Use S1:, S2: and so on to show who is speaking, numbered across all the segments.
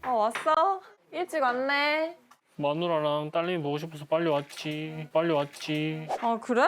S1: 왔어? 일찍 왔네.
S2: 마누라랑 딸내미 보고 싶어서 빨리 왔지. 빨리 왔지.
S1: 아, 그래?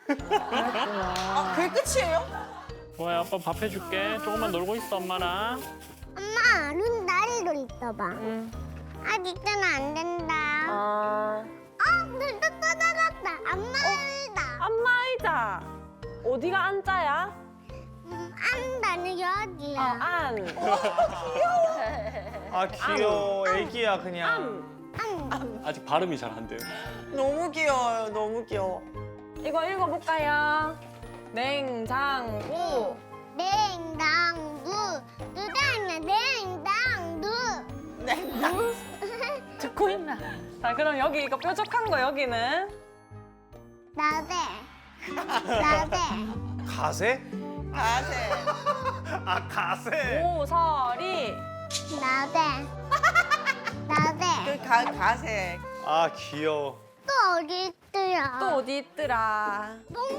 S3: 그게 끝이에요?
S2: 좋아요. 아빠 밥 해줄게. 조금만 놀고 있어, 엄마랑.
S4: 엄마, 눈 다리로 있어봐.
S1: 응.
S4: 아직은 안 된다.
S1: 아,
S4: 눈도 떠나갔다. 안 말다.
S1: 안마의자. 어디가 안자야?
S4: 안다는 여기야.
S1: 안.
S5: 아 귀여워. 애기야 그냥.
S2: 아직 발음이 잘 안 돼요.
S3: 너무 귀여워요. 너무 귀여워.
S1: 이거 읽어볼까요? 냉장고.
S4: 냉장고. 누다냐, 냉장고.
S1: 듣고 있나? 자, 그럼 여기 이거 뾰족한 거 여기는?
S4: 나대. 나대.
S5: 가세?
S3: 가세.
S5: 아 가세.
S1: 모서리.
S4: 나대. 나대.
S3: 가세.
S5: 아 귀여워.
S4: 또 어디 있더라?
S1: 또 어디 있더라?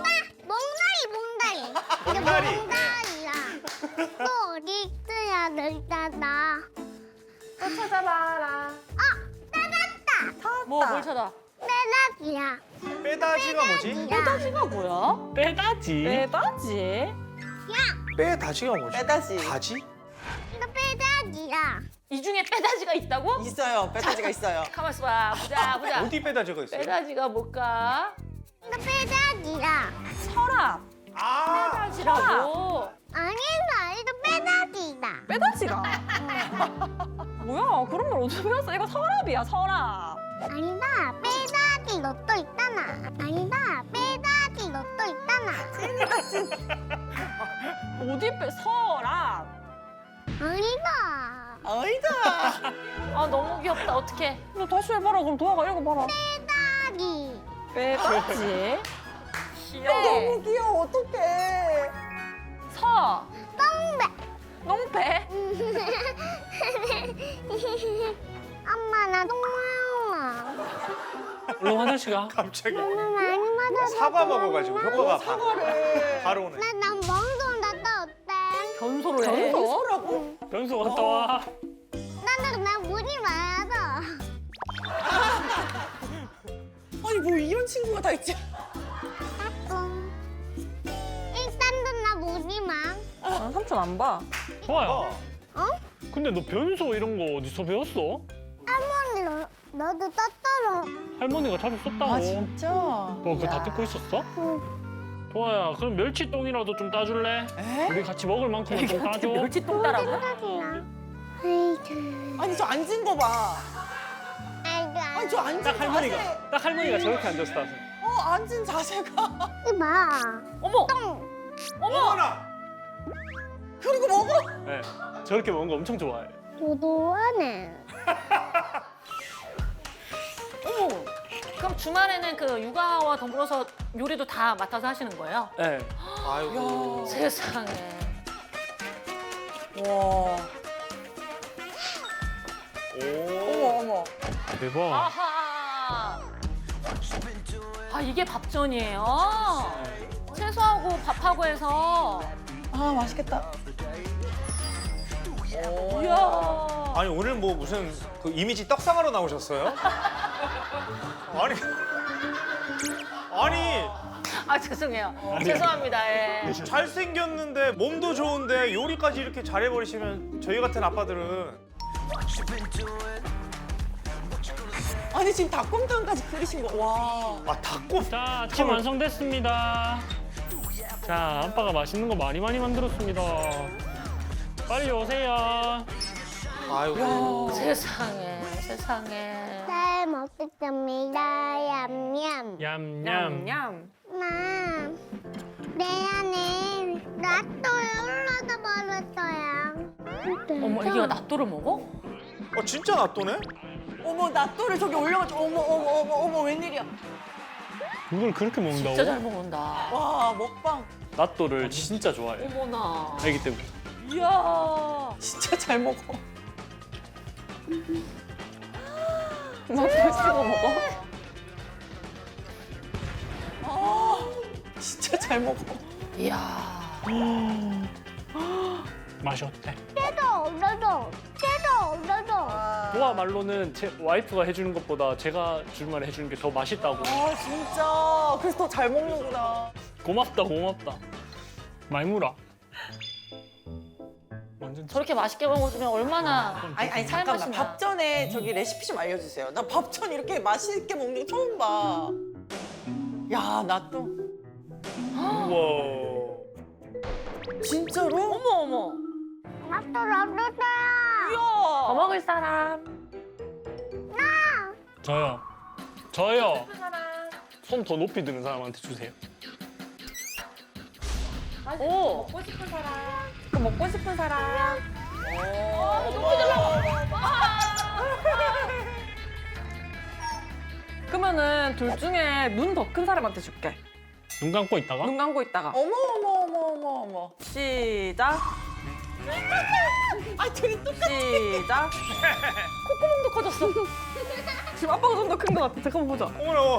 S4: 몽다리. 이게
S5: 몽다리.
S4: 몽다리야. 또 어디 있더라? 늘다다.
S1: 또 찾아봐라.
S4: 찾았다.
S1: 뭘 찾아?
S4: 빼다기야.
S5: 빼다지가 뭐지?
S1: 빼다지가 뭐야?
S2: 빼다지.
S1: 빼다지?
S5: 빼다지가 뭐지?
S3: 빼다지.
S5: 다지?
S4: 이거 빼다기야.
S6: 이 중에 빼다지가 있다고?
S3: 있어요. 빼다지가 있어요.
S6: 가만 있어봐. 보자.
S5: 어디 빼다지가 있어요?
S6: 빼다지가 뭘까?
S4: 이거 빼다기야.
S1: 서랍.
S5: 아
S6: 빼다지라고.
S4: 아니다, 이거 빼다기다.
S1: 빼다지가. 뭐야? 그런 걸 어디서 배웠어? 이거 서랍이야, 서랍.
S4: 아니다, 빼다기 로또 있잖아. 아니다, 빼다기 로또 있잖아.
S1: 어디 빼? 서랍.
S4: 아니다,
S3: 아니다.
S6: 아 너무 귀엽다. 어떡해.
S1: 너 다시 해봐라. 그럼 도화가 읽어봐라.
S4: 빼다기.
S1: 빼다지.
S3: 너무 귀여워. 어떡해.
S1: 서.
S4: 똥배.
S1: 농패.
S4: 엄마, 나 똥마마.
S2: 얼른 화장실 가.
S5: 갑자기
S4: 너무 많이 맞아서.
S5: 사과 먹어가지고 효과가
S3: 사과를.
S5: 바로 오네.
S4: 난 멍동 났다 어때?
S6: 변소를 해.
S3: 변소라고?
S2: 변소 갔다 와.
S4: 나 문이 많아서.
S3: 아니 뭐 이런 친구가 다 있지?
S4: 까꿍. 일단은 나 문이 많.
S1: 아, 삼촌 안 봐.
S2: 좋아요.
S4: 어?
S2: 근데 너 변소 이런 거 어디서 배웠어?
S4: 할머니, 너도 떴더러.
S2: 할머니가 자주 썼다고.
S3: 진짜?
S2: 너 그거 다 듣고 있었어? 도아야, 그럼 멸치똥이라도 좀 따줄래?
S3: 에?
S2: 우리 같이 먹을 만큼은 좀 따줘.
S6: 멸치똥 따라고?
S4: 빼다기야. 아이고.
S3: 아니 저 앉은 거 봐.
S4: 아이고.
S3: 아니 저 앉은
S2: 딱 할머니가,
S3: 자세.
S2: 딱 할머니가 저렇게 앉았어.
S3: 앉은 자세가.
S4: 이봐.
S6: 어머.
S5: 어머나.
S3: 그리고 먹어.
S2: 네, 저렇게 먹는 거 엄청 좋아해.
S4: 도도하네.
S6: 어머. 그럼 주말에는 그 육아와 더불어서 요리도 다 맡아서 하시는 거예요?
S2: 네.
S5: 아이고.
S6: 세상에.
S3: 와.
S5: 오.
S3: 어머.
S2: 대박.
S6: 아하. 아 이게 밥전이에요. 채소하고 밥하고 해서.
S3: 아 맛있겠다.
S6: 이야.
S5: 아니 오늘 뭐 무슨 그 이미지 떡상하러 나오셨어요? 아니
S6: 아 죄송해요. 죄송합니다. 예.
S5: 잘생겼는데 몸도 좋은데 요리까지 이렇게 잘해버리시면 저희 같은 아빠들은
S3: 아니 지금 닭곰탕까지 끓이신 거. 와.
S5: 아 닭고
S2: 자, 찜 완성됐습니다. 자, 아빠가 맛있는 거 많이 만들었습니다. 빨리 오세요.
S5: 아이고
S6: 세상에. 세상에.
S4: 잘 먹겠습니다. 얌얌.
S2: 얌얌.
S1: 냠.
S4: 내 안에 낫또에 올라가 버렸어요.
S6: 어머 애기가 낫또를 먹어?
S5: 진짜 낫또네?
S3: 어머 낫또를 저기 올려가지고 어머 웬일이야.
S2: 이걸 그렇게 먹는다고?
S6: 진짜 잘 먹는다.
S3: 와 먹방
S2: 낫또를 진짜 좋아해.
S6: 어머나.
S2: 애기 때문에.
S6: 이야.
S3: 진짜 잘 먹어.
S1: 너 벌써 먹어?
S3: 진짜 잘 먹어.
S6: 이야.
S2: 맛이 어때?
S4: 깨도.
S2: 도아 말로는 제 와이프가 해주는 것보다 제가 줄만 해주는 게 더 맛있다고.
S3: 아 진짜. 그래서 더 잘 먹는구나.
S2: 고맙다 고맙다. 말무라. 완전
S6: 저렇게 맛있게 먹어주면 얼마나
S3: 아니
S6: 살맛이
S3: 잠깐만.
S6: 나.
S3: 밥 전에 저기 레시피 좀 알려주세요. 나 밥 전 이렇게 맛있게 먹는 거 처음 봐. 야, 나 또
S5: 우와.
S3: 진짜로?
S6: 어머 어머.
S4: 나도 랍스터야.
S6: 더 먹을 사람.
S2: 저요. 저요. 손 더 높이 드는 사람한테 주세요.
S6: 오.
S1: 먹고 싶은 사람. 그러면은 둘 중에 눈 더 큰 사람한테 줄게.
S2: 눈 감고 있다가
S1: 눈 감고 있다가.
S3: 어머 어머 어머 어머 어머.
S1: 시작.
S3: 아, 둘이 똑같아.
S1: 시작.
S6: 콧구멍도 커졌어.
S1: 지금 아빠가 좀 더 큰 것 같아. 잠깐만 보자.
S5: 어머나.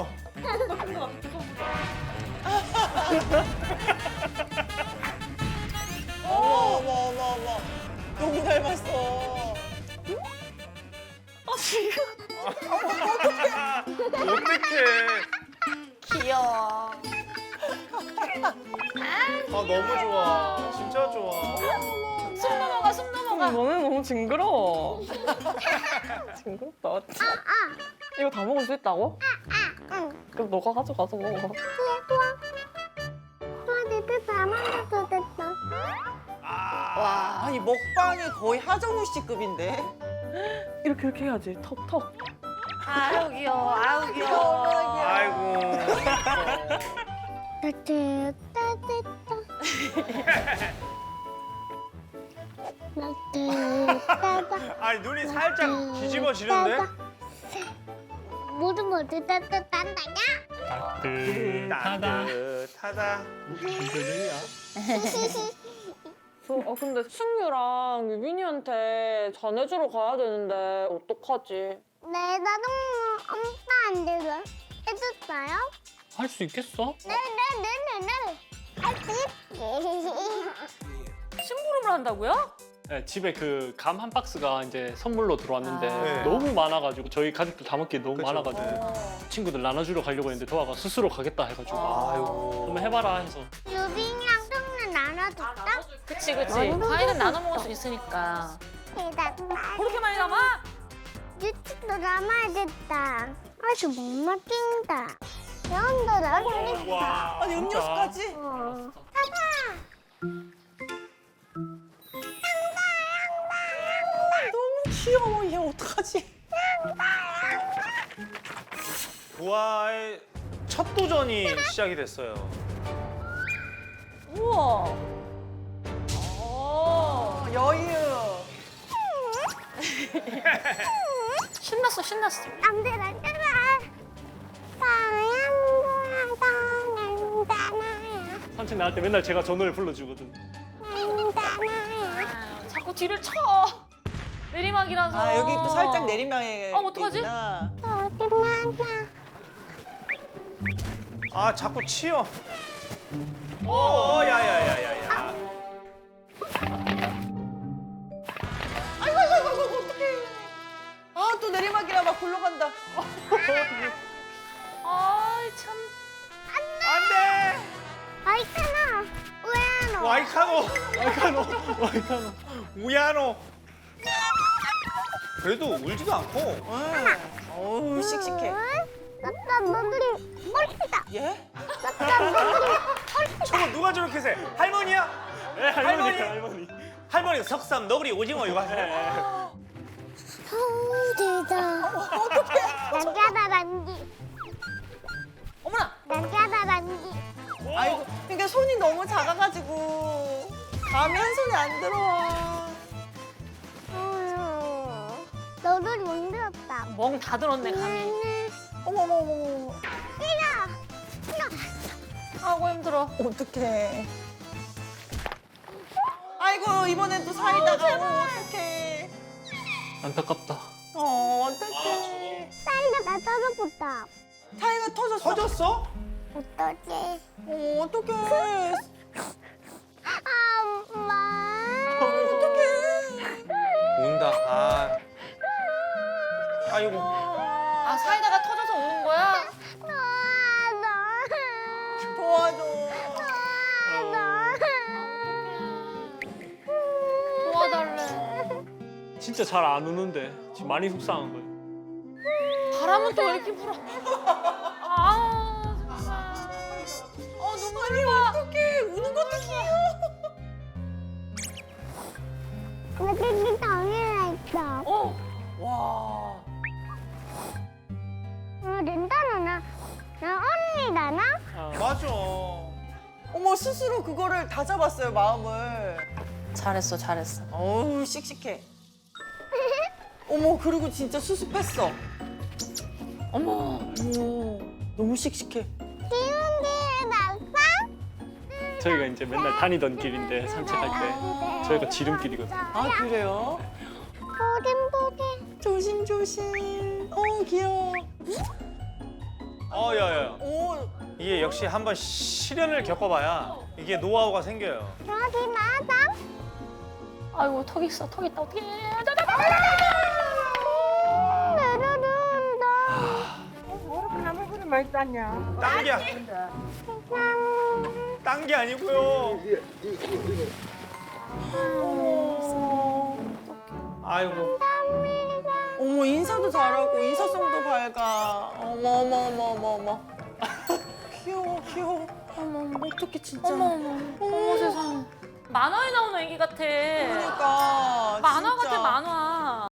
S3: 어머 어머 어머 어머. 너무 닮았어.
S5: 어떡해.
S6: 귀여워.
S5: 아 너무 좋아. 진짜 좋아.
S6: 숨 넘어가 숨 넘어가.
S1: 너는 너무 징그러워. 징그럽다. 이거 다 먹을 수 있다고?
S4: 응.
S1: 그럼 너가 가져가서 먹어.
S4: 와, 내가 다 만들어서 됐다.
S3: 와, 아니 먹방이 거의 하정우 씨급인데.
S1: 이렇게 해야지. 턱.
S6: 아유 귀여워. 아유 귀여워.
S5: 아이고.
S4: 따뜻따뜻따. 따뜻따뜻.
S5: 아니 눈이 살짝 뒤집어지는데?
S4: 모두 따뜻한다냐?
S2: 따뜻하다.
S5: 따뜻하다.
S1: 근데 승유랑 유빈이한테 전해주러 가야 되는데 어떡하지?
S4: 네, 나도 엄마 안 되고 해줬어요?
S2: 할 수 있겠어?
S4: 네네네네네. 할수 있지.
S6: 심부름을 한다고요?
S2: 네, 집에 그 감 한 박스가 이제 선물로 들어왔는데
S5: 네.
S2: 너무 많아가지고 저희 가족들 다 먹기 너무
S5: 그쵸.
S2: 많아가지고 친구들 나눠주러 가려고 했는데 도아가 스스로 가겠다 해가지고
S5: 아이고.
S2: 한번 해봐라 해서
S4: 유빈이랑 성는 나눠줄까?
S6: 그치 그치. 과일은 나눠 먹을 수 있으니까. 그렇게 많이 남아?
S4: 유치도 남아야겠다. 아주 못 맡긴다. 영도 남겠다.
S5: 와.
S3: 아니 음료수까지? 너무 귀여워. 얘 어떡하지?
S5: 도아의 첫 도전이 시작이 됐어요.
S6: 우와.
S3: 여유.
S6: 신났어 신났어.
S4: 안돼 안돼. 사랑도야
S2: 산책 나갈 때 맨날 제가 저 노래 불러주거든.
S4: 사랑도야.
S6: 자꾸 뒤를 쳐. 내리막이라서.
S3: 아, 여기 또 살짝 내리막에.
S6: 어떡하지?
S3: 있구나.
S4: 어디나냐?
S5: 아 자꾸 치여. 야야야야야.
S3: 아이고 어떡해. 아, 또 내리막이라 막 굴러간다.
S6: 아이 참.
S5: 안돼.
S4: 아이카나 왜 너?
S5: 와이카노. 우야노. 그래도 울지도 않고.
S3: 어우, 씩씩해.
S4: 나따 너들이 꼴찌다.
S3: 예?
S4: 나따 너들이
S5: 저거 누가 저렇게 세? 할머니야?
S2: 네,
S5: 할머니.
S2: 할머니.
S5: 할머니 석삼 너구리 오징어 이거 하세요.
S4: 서울대다. 어떡해. 남자다 남기.
S6: 어머나.
S4: 남자다 남기.
S3: 아이고, 그러니까 손이 너무 작아가지고 감이 한 손에 안 들어와.
S4: 너들이 못 들었다.
S6: 멍 다 들었네 감이.
S3: 어머머머.
S6: 아이고 힘들어.
S3: 어떡해. 아이고, 이번엔 또 사이다가. 어떡해.
S2: 안타깝다.
S3: 어떡해.
S4: 사이가 나 떨어졌다.
S3: 타이가 터졌어.
S5: 터졌어?
S4: 어떡해.
S3: 어떡해.
S4: 엄마.
S3: 어떡해.
S5: 운다. 아. 아이고.
S6: 아 사이다가 터져서 우는 거야?
S3: 도와줘.
S6: 도와달래.
S2: 진짜 잘 안 우는데 지금 많이 속상한 거예요.
S6: 바람은 또 왜 이렇게 불어? 아 눈물이 나.
S3: 어떡해. 우는 것도 귀여워.
S4: 여기 당일에 있어.
S3: 와.
S4: 렌다나 나 언니 나나?
S5: 맞아.
S3: 어머 스스로 그거를 다 잡았어요 마음을.
S6: 잘했어.
S3: 어우 씩씩해. 어머 그리고 진짜 수습했어.
S6: 어머.
S3: 어머 너무 씩씩해.
S4: 기운 뒤에 났어?
S2: 저희가 이제 맨날 다니던 길인데 산책할 때 저희가 지름길이거든요.
S3: 아 그래요?
S4: 보긴.
S3: 조심조심. 어 귀여워.
S5: 야야.
S3: 오
S5: 이게 역시 한번 시련을 겪어봐야 이게 노하우가 생겨요.
S4: 여기 맞아?
S6: 아이고 턱 있다 어떡해.
S4: 내려준다.
S5: 딴 게 아니고요. 아이고.
S3: 어머 인사도 잘하고 인사성도 밝아. 어머. 귀여워. 어머 어떡해 진짜.
S6: 어머 세상에. 만화에 나오는 애기 같아.
S3: 그러니까
S6: 만화
S3: 진짜.
S6: 같아 만화.